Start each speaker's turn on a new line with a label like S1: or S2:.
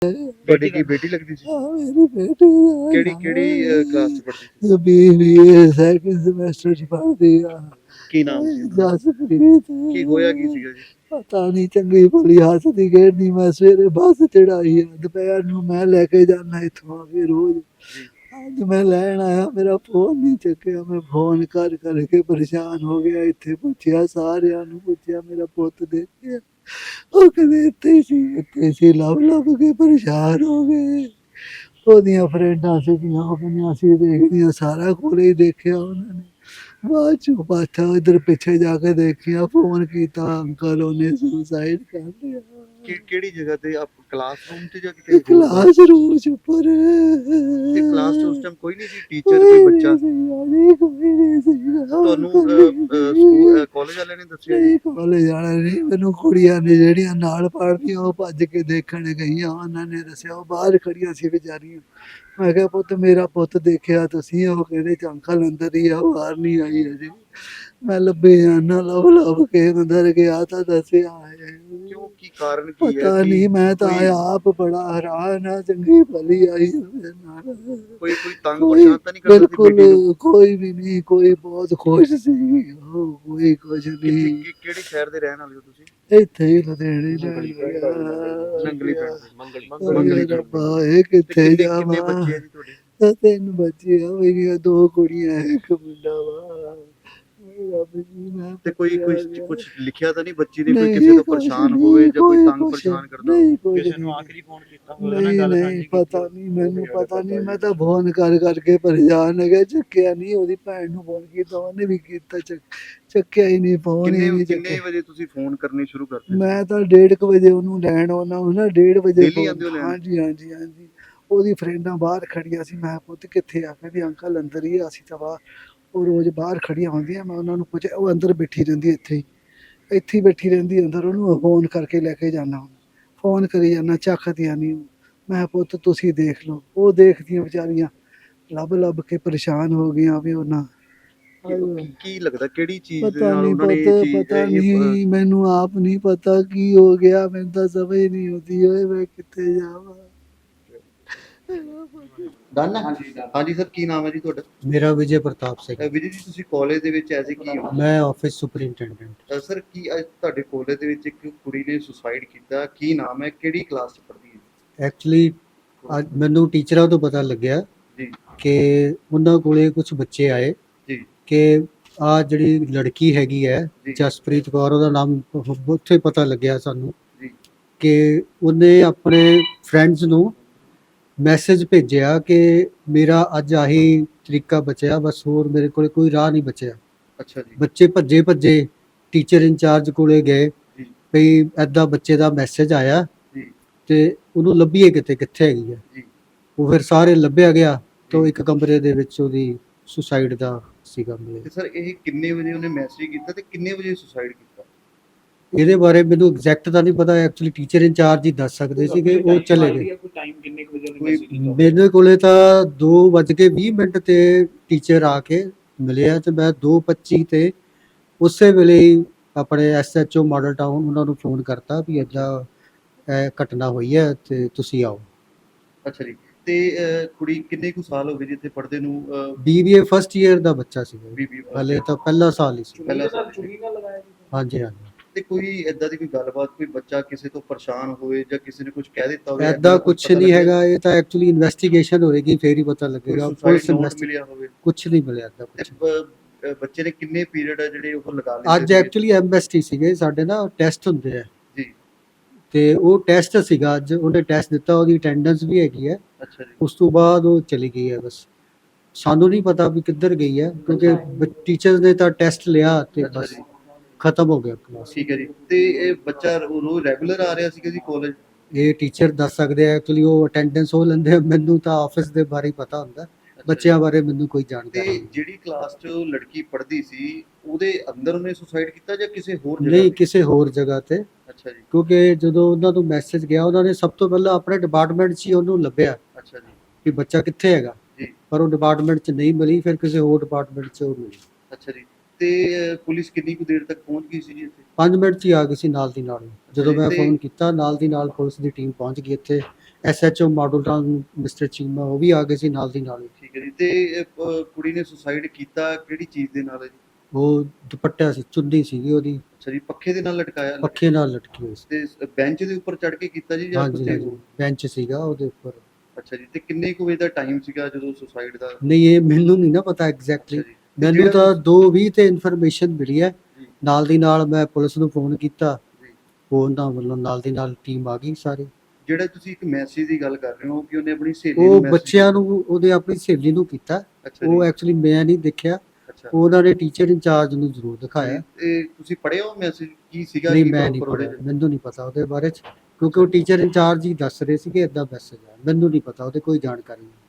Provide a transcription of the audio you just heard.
S1: ਤੁਹਾਡੀ ਕੀ ਬੇਟੀ ਲੱਗਦੀ ਸੀ?
S2: ਮੇਰੀ ਬੇਟੀ
S1: ਕਿਹੜੀ ਕਲਾਸ ਚ ਪੜ੍ਹਦੀ ਸੀ?
S2: BBA ਸੈਕਿੰਡ ਸਮੈਸਟਰ ਚ ਪੜ੍ਹਦੀ ਆ।
S1: ਕੀ ਨਾਮ ਸੀ ਉਹਦਾ?
S2: ਜਸਪ੍ਰੀਤ।
S1: ਕੀ ਹੋਇਆ ਕੀ ਸੀਗਾ ਜੀ?
S2: ਪਤਾ ਨਹੀਂ, ਚੰਗੀ ਭਲੀ ਹੱਸਦੀ ਖੇਡਦੀ। ਮੈਂ ਸਵੇਰੇ ਬੱਸ ਚੜਾਈ ਆ, ਦੁਪਹਿਰ ਨੂੰ ਮੈਂ ਲੈ ਕੇ ਜਾਣਾ ਇੱਥੋਂ ਆ ਕੇ ਰੋਜ਼।
S1: ਜੀ
S2: ਅੱਜ ਮੈਂ ਲੈਣ ਆਇਆ, ਮੇਰਾ ਫੋਨ ਨਹੀਂ ਚੱਕਿਆ। ਮੈਂ ਫੋਨ ਕਰ ਕਰਕੇ ਪਰੇਸ਼ਾਨ ਹੋ ਗਿਆ। ਇੱਥੇ ਪੁੱਛਿਆ, ਸਾਰਿਆਂ ਨੂੰ ਪੁੱਛਿਆ, ਮੇਰਾ ਪੁੱਤ ਦੇਖਿਆ। ਉਹ ਕਹਿੰਦੇ ਇੱਥੇ ਸੀ। ਲੱਭ ਲੱਭ ਕੇ ਪਰੇਸ਼ਾਨ ਹੋ ਗਏ। ਉਹਦੀਆਂ ਫਰੈਂਡਾਂ ਸੀਗੀਆਂ, ਉਹ ਕਹਿੰਦੀਆਂ ਅਸੀਂ ਦੇਖਦੀਆਂ, ਸਾਰਾ ਕੋਲੇ ਹੀ ਦੇਖਿਆ ਉਹਨਾਂ ਨੇ। ਬਾਅਦ ਚੋਂ ਪਾਛਾ ਇੱਧਰ ਪਿੱਛੇ ਜਾ ਕੇ ਦੇਖਿਆ, ਫੋਨ ਕੀਤਾ, ਅੰਕਲ ਉਹਨੇ ਸੁਸਾਈਡ ਕਰ ਲਿਆ।
S1: ਕਿਹੜੀ ਜਗ੍ਹਾ ਤੇ? ਆਪ ਕਲਾਸਰੂਮ ਤੇ ਜਾਂ ਕਿਤੇ ਹੋਰ?
S2: ਕਲਾਸ ਰੂਮ ਚ ਉੱਪਰ।
S1: ਤੇ ਕਲਾਸ ਚ ਉਸ ਟਾਈਮ ਕੋਈ ਨਹੀਂ ਸੀ? ਟੀਚਰ ਕੋਈ ਬੱਚਾ?
S2: ਕੋਈ ਨਹੀਂ ਸੀਗਾ।
S1: ਤੁਹਾਨੂੰ ਸਕੂਲ ਕਾਲਜ ਵਾਲਿਆਂ ਨੇ ਦੱਸਿਆ ਜੀ?
S2: ਨਹੀਂ, ਕਾਲਜ ਵਾਲਾ ਨਹੀਂ, ਮੈਨੂੰ ਕੁੜੀਆਂ ਨੇ ਜਿਹੜੀਆਂ ਨਾਲ ਪੜ੍ਹਦੀਆਂ ਉਹ ਭੱਜ ਕੇ ਦੇਖਣ ਗਈਆਂ। ਉਹਨਾਂ ਨੇ ਦੱਸਿਆ, ਉਹ ਬਾਹਰ ਖੜੀਆਂ ਸੀ ਵਿਚਾਰੀਆਂ। ਮੈਂ ਕਿਹਾ ਪੁੱਤ, ਮੇਰਾ ਪੁੱਤ ਦੇਖਿਆ ਤੁਸੀਂ? ਉਹ ਕਹਿੰਦੇ ਅੰਕਲ ਅੰਦਰ ਹੀ ਆ, ਬਾਹਰ ਨਹੀਂ ਆਈ ਅਜੇ। ਮੈਂ ਲੱਭੇ ਜਾਣਾ, ਲੱਭ ਲੱਭ ਕੇ ਅੰਦਰ ਗਿਆ ਤਾਂ ਦੱਸਿਆ ਹੈ।
S1: ਕਿਉਂ? ਕੀ ਕਾਰਨ ਕੀ ਹੈ?
S2: ਪਤਾ ਨਹੀਂ, ਮੈਂ ਤਾਂ
S1: ਕੋਈ
S2: ਆਪ ਬੜਾ ਹੈਰਾਨ ਆ। ਚੰਗੀ ਭਲੀ ਆਈ ਉਹਦੇ ਨਾਲ।
S1: ਕੋਈ ਤੰਗ
S2: ਕੋਈ
S1: ਪਰੇਸ਼ਾਨ ਤਾਂ ਨਹੀਂ ਕਰਦਾ ਸੀ ਬੇਟੀ ਨੂੰ?
S2: ਬਿਲਕੁਲ ਕੋਈ ਵੀ ਨਹੀਂ, ਕੋਈ ਬਹੁਤ ਖੁਸ਼ ਸੀ। ਉਹ ਕੋਈ ਕੁਝ ਨਹੀਂ।
S1: ਕਿਹੜੇ ਸ਼ਹਿਰ ਦੇ ਰਹਿਣ ਵਾਲੇ ਹੋ ਤੁਸੀਂ?
S2: ਇੱਥੇ ਹੀ ਲੁਧਿਆਣੇ
S1: ਨੰਗਲੀ ਪਿੰਡ ਦੇ।
S2: ਮੰਗਲੀ ਰੱਬਾ, ਇਹ ਕਿੱਥੇ
S1: ਕਿੰਨੇ
S2: ਜਾਵਾਂ।
S1: ਬੱਚੇ ਆ ਜੀ ਤੁਹਾਡੇ?
S2: 3 ਬੱਚੇ ਆ ਮੇਰੀਆਂ, 2 ਕੁੜੀਆਂ, 1 ਮੁੰਡਾ ਵਾ। ਰੱਬ ਜੀ, ਮੈਂ
S1: ਤੇ ਕੋਈ
S2: ਪੁੱਛਿਆ
S1: ਕੁਝ ਲਿਖਿਆ ਤਾਂ ਨਹੀਂ ਬੱਚੀ ਨੇ? ਕੋਈ
S2: ਨਹੀਂ,
S1: ਕਿਸੇ ਤੋਂ
S2: ਕੁਛ
S1: ਪਰੇਸ਼ਾਨ
S2: ਨਹੀਂ,
S1: ਹੋਵੇ ਜਾਂ ਕੋਈ
S2: ਕੋਈ
S1: ਤੰਗ
S2: ਕੁਛ
S1: ਪਰੇਸ਼ਾਨ ਕਰਦਾ
S2: ਨਹੀਂ,
S1: ਹੋਵੇ?
S2: ਕੁਛ
S3: ਕਿਸੇ ਨੂੰ
S2: ਨਹੀਂ।
S3: ਆਖਰੀ ਫੋਨ ਕੀਤਾ ਹੋਵੇ ਉਹਦੇ ਨਾਲ ਗੱਲ
S2: ਨਹੀਂ
S3: ਸਾਂਝੀ ਕੀਤੀ
S2: ਪਤਾ
S3: ਹੋਵੇ?
S2: ਨਹੀਂ, ਮੈਨੂੰ ਪਤਾ ਨਹੀਂ। ਮੈਂ ਤਾਂ ਫੋਨ ਕਰ ਕਰਕੇ ਪਰੇਸ਼ਾਨ ਹੋ ਗਿਆ। ਚੱਕਿਆ ਨਹੀਂ। ਉਹਦੀ ਭੈਣ ਨੂੰ ਫੋਨ ਕੀਤਾ, ਉਹਨੇ ਵੀ ਕੀਤਾ, ਚੱਕਿਆ ਹੀ ਨਹੀਂ, ਫੋਨ ਹੀ ਨਹੀਂ
S1: ਕਿੰਨੇ
S2: ਚੱਕਿਆ।
S1: ਵਜੇ ਤੁਸੀਂ ਫੋਨ ਕਰਨੇ ਸ਼ੁਰੂ ਕਰਦੇ ਸੀ?
S2: ਮੈਂ ਤਾਂ 1:30 ਵਜੇ ਉਹਨੂੰ ਲੈਣ ਆਉਣਾ ਹੁੰਦਾ, 1:30 ਵਜੇ
S1: Daily ਆਉਂਦੇ ਹੋ ਲੈਣ?
S2: ਹਾਂਜੀ ਹਾਂਜੀ ਹਾਂਜੀ। ਉਹਦੀ ਫਰੈਂਡਾਂ ਬਾਹਰ ਖੜੀਆਂ ਸੀ। ਮੈਂ ਪੁੱਤ ਕਿੱਥੇ ਆ? ਕਹਿੰਦੀ ਅੰਕਲ ਅੰਦਰ ਹੀ ਆ, ਅਸੀਂ ਤਾਂ ਬਾਹਰ। ਉਹ ਰੋਜ਼ ਬਾਹਰ ਖੜੀਆਂ ਹੁੰਦੀਆਂ। ਮੈਂ ਉਹਨਾਂ ਨੂੰ ਪੁੱਛਿਆ, ਉਹ ਅੰਦਰ ਬੈਠੀ ਰਹਿੰਦੀ ਇੱਥੇ ਹੀ ਬੈਠੀ ਰਹਿੰਦੀ ਅੰਦਰ। ਉਹਨੂੰ ਫੋਨ ਕਰਕੇ ਲੈ ਕੇ ਜਾਣਾ ਹੁੰਦਾ, ਫੋਨ ਕਰੀ ਜਾਂਦਾ, ਚੱਕਦੀਆਂ ਨਹੀਂ। ਮੈਂ ਪੁੱਤ ਤੁਸੀਂ ਦੇਖ ਲਓ। ਉਹ ਦੇਖਦੀਆਂ ਵਿਚਾਰੀਆਂ, ਲੱਭ ਲੱਭ ਕੇ ਪਰੇਸ਼ਾਨ ਹੋ ਗਈਆਂ ਵੀ ਉਹਨਾਂ।
S1: ਕੀ ਲੱਗਦਾ ਕਿਹੜੀ ਚੀਜ਼ ਦੇ
S2: ਪਤਾ
S1: ਨਾਲ
S2: ਨਹੀਂ
S1: ਉਹਨਾਂ ਨੇ
S2: ਪੁੱਤ,
S1: ਚੀਜ਼
S2: ਪਤਾ ਨਹੀਂ, ਮੈਨੂੰ ਆਪ ਨਹੀਂ ਪਤਾ ਕੀ ਹੋ ਗਿਆ। ਮੈਨੂੰ ਤਾਂ ਸਮਝ ਨਹੀਂ ਆਉਂਦੀ ਓਏ, ਮੈਂ ਕਿੱਥੇ ਜਾਵਾਂ।
S1: ਡਨ ਹੈ? ਹਾਂਜੀ ਸਰ, ਕੀ ਨਾਮ ਹੈ ਜੀ ਤੁਹਾਡਾ?
S4: ਮੇਰਾ ਵਿਜੇ ਪ੍ਰਤਾਪ ਸਿੰਘ।
S1: ਵਿਜੇ ਜੀ, ਤੁਸੀਂ ਕਾਲਜ ਦੇ ਵਿੱਚ ਐਜ਼ ਕੀ ਹੋ?
S4: ਮੈਂ ਆਫਿਸ ਸੁਪਰਿੰਟੈਂਡੈਂਟ।
S1: ਸਰ, ਕੀ ਅੱਜ ਤੁਹਾਡੇ ਕਾਲਜ ਦੇ ਵਿੱਚ ਇੱਕ ਕੁੜੀ ਨੇ ਸੁਸਾਈਡ ਕੀਤਾ? ਕੀ ਨਾਮ ਹੈ? ਕਿਹੜੀ ਕਲਾਸ ਚ ਪੜ੍ਹਦੀ ਹੈ?
S4: ਐਕਚੁਅਲੀ ਅੱਜ ਮੈਨੂੰ ਟੀਚਰਾਂ ਤੋਂ ਪਤਾ ਲੱਗਿਆ
S1: ਜੀ
S4: ਕਿ ਉਹਨਾਂ ਕੋਲੇ ਕੁਝ ਬੱਚੇ ਆਏ
S1: ਜੀ
S4: ਕਿ ਆ ਜਿਹੜੀ ਲੜਕੀ ਹੈਗੀ ਹੈ
S1: ਜੀ
S4: ਜਸਪ੍ਰੀਤ ਕੌਰ, ਉਹਦਾ ਨਾਮ ਉੱਥੇ ਪਤਾ ਲੱਗਿਆ ਸਾਨੂੰ
S1: ਜੀ
S4: ਕਿ ਉਹਨੇ ਆਪਣੇ ਫਰੈਂਡਸ ਨੂੰ ਮੈਸੇਜ ਭੇਜਿਆ ਕਿ ਮੇਰਾ ਅੱਜ ਆਹੀ ਤਰੀਕਾ ਬਚਿਆ, ਬਸ ਹੋਰ ਮੇਰੇ ਕੋਲੇ ਕੋਈ ਰਾਹ ਨਹੀਂ ਬਚਿਆ।
S1: ਅੱਛਾ ਜੀ
S4: ਬੱਚੇ ਭੱਜੇ ਭੱਜੇ ਟੀਚਰ ਇੰਚਾਰਜ ਕੋਲੇ ਗਏ
S1: ਜੀ
S4: ਵੀ ਐਦਾਂ ਬੱਚੇ ਦਾ ਮੈਸੇਜ ਆਇਆ
S1: ਜੀ
S4: ਤੇ ਉਹਨੂੰ ਲੱਭੀਏ ਕਿੱਥੇ ਹੈਗੀ ਹੈ।
S1: ਜੀ
S4: ਉਹ ਫਿਰ ਸਾਰੇ ਲੱਭਿਆ ਗਿਆ ਤਾਂ
S1: ਜੀ।
S4: ਇੱਕ ਕਮਰੇ ਦੇ ਵਿੱਚ ਉਹਦੀ ਸੁਸਾਈਡ ਦਾ ਸੀਗਾ ਮਿਲਿਆ।
S1: ਤੇ ਸਰ, ਇਹ ਕਿੰਨੇ ਵਜੇ ਉਹਨੇ ਮੈਸੇਜ ਕੀਤਾ ਤੇ ਕਿੰਨੇ ਵਜੇ ਸੁਸਾਈਡ ਕੀਤਾ?
S4: ਇਹਦੇ ਬਾਰੇ ਮੈਨੂੰ ਐਗਜ਼ੈਕਟ ਤਾਂ ਨਹੀਂ ਪਤਾ। ਐਕਚੁਅਲੀ ਟੀਚਰ ਇੰਚਾਰਜ ਹੀ ਦੱਸ ਸਕਦੇ ਸੀਗੇ, ਉਹ ਚਲੇ ਗਏ।
S3: ਕੋਈ ਟਾਈਮ ਕਿੰਨੇ ਕੁ ਵਜੇ ਉਹਨੇ
S1: ਕੋਈ
S3: ਮੈਸੇਜ ਕੀਤਾ?
S4: ਮੇਰੇ ਕੋਲੇ ਤਾਂ 2:20 ਤੇ ਟੀਚਰ ਆ ਕੇ ਮਿਲਿਆ ਤੇ ਮੈਂ 2:25 ਤੇ ਉਸੇ ਵੇਲੇ ਹੀ ਆਪਣੇ SHO ਮਾਡਲ ਟਾਊਨ ਉਹਨਾਂ ਨੂੰ ਫੋਨ ਕਰਤਾ ਵੀ ਏਦਾਂ ਇਹ ਘਟਨਾ ਹੋਈ ਹੈ ਤੇ ਤੁਸੀਂ ਆਓ।
S1: ਅੱਛਾ ਜੀ। ਤੇ ਕੁੜੀ ਕਿੰਨੇ ਕੁ ਸਾਲ ਹੋ ਗਏ ਜੀ ਇੱਥੇ ਪੜ੍ਹਦੇ ਨੂੰ?
S4: BBA ਫਸਟ ਈਅਰ ਦਾ ਬੱਚਾ ਸੀਗਾ,
S1: BBA
S4: ਹਲੇ ਤਾਂ ਪਹਿਲਾ ਸਾਲ ਹੀ ਸੀ।
S1: ਪਹਿਲਾ
S3: ਚੁੰਨੀ ਨਾਲ ਲਗਾਇਆ ਜੀ?
S4: ਹਾਂਜੀ ਹਾਂਜੀ।
S1: ਤੇ ਕੋਈ ਏਦਾਂ ਦੀ ਕੋਈ ਗੱਲਬਾਤ, ਕੋਈ ਬੱਚਾ ਕਿਸੇ ਤੋਂ ਪਰੇਸ਼ਾਨ ਹੋਵੇ ਜਾਂ ਕਿਸੇ ਨੇ ਕੁਝ ਕਹਿ ਦਿੱਤਾ ਹੋਵੇ?
S4: ਐਦਾਂ ਕੁਝ ਨਹੀਂ ਹੈਗਾ। ਇਹ ਤਾਂ ਐਕਚੁਅਲੀ ਇਨਵੈਸਟੀਗੇਸ਼ਨ ਹੋਏਗੀ ਫੇਰ ਹੀ ਪਤਾ ਲੱਗੇਗਾ। ਪੁਲਿਸ
S1: ਨੋਟ ਮਿਲਿਆ ਹੋਵੇ?
S4: ਕੁਝ ਨਹੀਂ ਮਿਲਿਆ ਏਦਾਂ
S1: ਤੇ
S4: ਕੁਝ।
S1: ਬੱਚੇ ਨੇ ਕਿੰਨੇ ਪੀਰੀਅਡ ਆ ਜਿਹੜੇ ਉਹ ਲਗਾ ਲਏ
S4: ਅੱਜ ਐਕਚੁਅਲੀ MST ਸੀਗੇ ਸਾਡੇ ਨਾ, ਟੈਸਟ ਹੁੰਦੇ ਆ
S1: ਜੀ।
S4: ਤੇ ਉਹ ਟੈਸਟ ਸੀਗਾ ਅੱਜ, ਉਹਨੇ ਟੈਸਟ ਦਿੱਤਾ, ਉਹਦੀ ਅਟੈਂਡੈਂਸ ਵੀ ਹੈਗੀ ਹੈ।
S1: ਅੱਛਾ ਜੀ।
S4: ਉਸ ਤੋਂ ਬਾਅਦ ਉਹ ਚਲੀ ਗਈ ਹੈ। ਬਸ ਸਾਨੂੰ ਨਹੀਂ ਪਤਾ ਵੀ ਕਿੱਧਰ ਗਈ ਹੈ ਕਿਉਂਕਿ ਟੀਚਰਸ ਨੇ ਤਾਂ ਟੈਸਟ ਲਿਆ ਤੇ
S1: ਅੱਛਾ
S4: ਬਸ
S1: ਜੀ।
S4: ਖਤਮ ਹੋ ਗਿਆ ਕਲਾਸ।
S1: ਠੀਕ ਹੈ ਜੀ। ਤੇ ਇਹ ਬੱਚਾ ਰੋਜ਼ ਰੈਗੂਲਰ ਆ ਰਿਹਾ ਸੀਗਾ ਜੀ ਕਾਲਜ?
S4: ਇਹ ਟੀਚਰ ਦੱਸ ਸਕਦੇ ਆ, ਐਕਚੁਅਲੀ ਉਹ ਅਟੈਂਡੈਂਸ ਉਹ ਲੈਂਦੇ ਆ। ਮੈਨੂੰ ਤਾਂ ਆਫਿਸ ਦੇ ਬਾਰੇ ਹੀ ਪਤਾ ਹੁੰਦਾ, ਬੱਚਿਆਂ ਬਾਰੇ ਮੈਨੂੰ ਕੋਈ ਜਾਣਕਾਰੀ
S1: ਤੇ
S4: ਨਹੀਂ।
S1: ਜਿਹੜੀ ਕਲਾਸ 'ਚ ਉਹ ਲੜਕੀ ਪੜ੍ਹਦੀ ਸੀ ਉਹਦੇ ਅੰਦਰ ਉਹਨੇ ਸੁਸਾਈਡ ਕੀਤਾ ਜਾਂ ਕਿਸੇ ਹੋਰ ਜਗ੍ਹਾ
S4: ਨਹੀਂ,
S1: ਤੇ?
S4: ਕਿਸੇ ਹੋਰ ਜਗ੍ਹਾ ਤੇ।
S1: ਅੱਛਾ ਜੀ।
S4: ਕਿਉਂਕਿ ਜਦੋਂ ਉਹਨਾਂ ਨੂੰ ਮੈਸੇਜ ਗਿਆ, ਉਹਨਾਂ ਨੇ ਸਭ ਤੋਂ ਪਹਿਲਾਂ ਆਪਣੇ ਡਿਪਾਰਟਮੈਂਟ 'ਚ ਹੀ ਉਹਨੂੰ ਲੱਭਿਆ
S1: ਅੱਛਾ ਜੀ
S4: ਕਿ ਬੱਚਾ ਕਿੱਥੇ ਹੈਗਾ,
S1: ਜੀ।
S4: ਪਰ ਉਹ ਡਿਪਾਰਟਮੈਂਟ 'ਚ ਨਹੀਂ ਮਿਲੀ। ਫਿਰ ਕਿਸੇ ਹੋਰ ਡਿਪਾਰਟਮੈਂਟ 'ਚ ਉਹ ਮਿਲੀ।
S1: ਅੱਛਾ ਜੀ। ਤੇ ਪੁਲਿਸ ਕਿੰਨੀ ਕੁ ਦੇਰ ਤੱਕ ਪਹੁੰਚ ਗਈ ਸੀ ਜੀ ਇੱਥੇ?
S4: 5 ਮਿੰਟ 'ਚ ਹੀ ਆ ਗਈ ਸੀ ਨਾਲ ਦੀ ਨਾਲ। ਜਦੋਂ
S1: ਜੀ,
S4: ਮੈਂ
S1: ਤੇ
S4: ਫੋਨ ਕੀਤਾ ਨਾਲ ਦੀ ਨਾਲ ਪੁਲਿਸ ਦੀ ਟੀਮ ਪਹੁੰਚ ਗਈ ਇੱਥੇ। SHO model town Mr Cheema ਉਹ ਵੀ ਆ ਗਏ ਸੀ ਨਾਲ ਦੀ ਨਾਲ ਹੀ।
S1: ਠੀਕ ਹੈ ਜੀ। ਤੇ ਕੁੜੀ ਨੇ ਸੁਸਾਈਡ ਕੀਤਾ ਕਿਹੜੀ ਚੀਜ਼ ਦੇ ਨਾਲ ਹੈ ਜੀ?
S4: ਉਹ ਦੁਪੱਟਾ ਸੀ, ਚੁੰਨੀ ਸੀਗੀ ਉਹਦੀ,
S1: ਅੱਛਾ ਜੀ, ਪੱਖੇ ਦੇ ਨਾਲ ਲਟਕਾਇਆ?
S4: ਪੱਖੇ ਨਾਲ ਲਟਕੀ ਹੋਈ ਸੀ।
S1: ਤੇ ਬੈਂਚ ਦੇ ਉੱਪਰ ਚੜ ਕੇ ਕੀਤਾ ਜੀ ਜਾਂ
S4: ਹਾਂਜੀ
S1: ਕਿਤੇ
S4: ਹਾਂਜੀ,
S1: ਹੋਰ?
S4: ਬੈਂਚ ਸੀਗਾ ਉਹਦੇ ਉੱਪਰ।
S1: ਅੱਛਾ ਜੀ। ਤੇ ਕਿੰਨੇ ਕੁ ਵਜੇ ਦਾ ਟਾਈਮ ਸੀਗਾ ਜਦੋਂ ਸੁਸਾਈਡ ਦਾ?
S4: ਨਹੀਂ ਇਹ ਮੈਨੂੰ ਨਹੀਂ ਨਾ ਪਤਾ
S1: ਅੱਛਾ
S4: ਐਗਜ਼ੈਕਟਲੀ,
S1: ਜੀ। ਤੇ
S4: ਮੈਨੂੰ
S1: ਜਿਹੜਾ
S4: ਤਾਂ 2:20 ਤੇ ਇਨਫੋਰਮੇਸ਼ਨ ਮਿਲੀ ਹੈ।
S1: ਜੀ।
S4: ਨਾਲ ਦੀ ਨਾਲ ਮੈਂ ਪੁਲਿਸ ਨੂੰ ਫੋਨ ਕੀਤਾ,
S1: ਜੀ।
S4: ਉਹਨਾਂ ਵੱਲੋਂ ਨਾਲ ਦੀ ਨਾਲ ਟੀਮ ਆ ਗਈ ਸਾਰੀ।
S1: ਜਿਹੜਾ ਤੁਸੀਂ ਇੱਕ ਮੈਸੇਜ ਦੀ ਗੱਲ ਕਰ ਰਹੇ ਹੋ ਕਿ ਉਹਨੇ ਆਪਣੀ ਸਹੇਲੀ
S4: ਉਹ
S1: ਨੂੰ message
S4: ਬੱਚਿਆਂ ਨੂੰ, ਉਹਦੇ ਆਪਣੀ ਸਹੇਲੀ ਨੂੰ ਕੀਤਾ।
S1: ਅੱਛਾ
S4: ਉਹ
S1: ਜੀ।
S4: ਐਕਚੁਅਲੀ ਮੈਂ ਨਹੀਂ ਦੇਖਿਆ,
S1: ਅੱਛਾ
S4: ਉਹਨਾਂ ਨੇ ਟੀਚਰ ਇੰਚਾਰਜ ਨੂੰ ਜ਼ਰੂਰ ਦਿਖਾਇਆ।
S1: ਜੀ। ਤੇ ਤੁਸੀਂ ਪੜ੍ਹਿਆ ਉਹ ਮੈਸੇਜ ਕੀ ਸੀਗਾ?
S4: ਨਹੀਂ
S1: ਕੀ
S4: ਮੈਂ ਨਹੀਂ
S1: proper ਉਹਦੇ
S4: ਪੜਿਆ,
S1: ਚ?
S4: ਮੈਨੂੰ ਨਹੀਂ ਪਤਾ ਉਹਦੇ ਬਾਰੇ ਚ, ਕਿਉਂਕਿ ਉਹ ਟੀਚਰ ਇੰਚਾਰਜ ਹੀ ਦੱਸ ਰਹੇ ਸੀਗੇ ਇਦਾਂ ਮੈਸੇਜ ਆ, ਮੈਨੂੰ ਨਹੀਂ ਪਤਾ ਉਹਦੇ ਕੋਈ ਜਾਣਕਾਰੀ ਨਹੀਂ।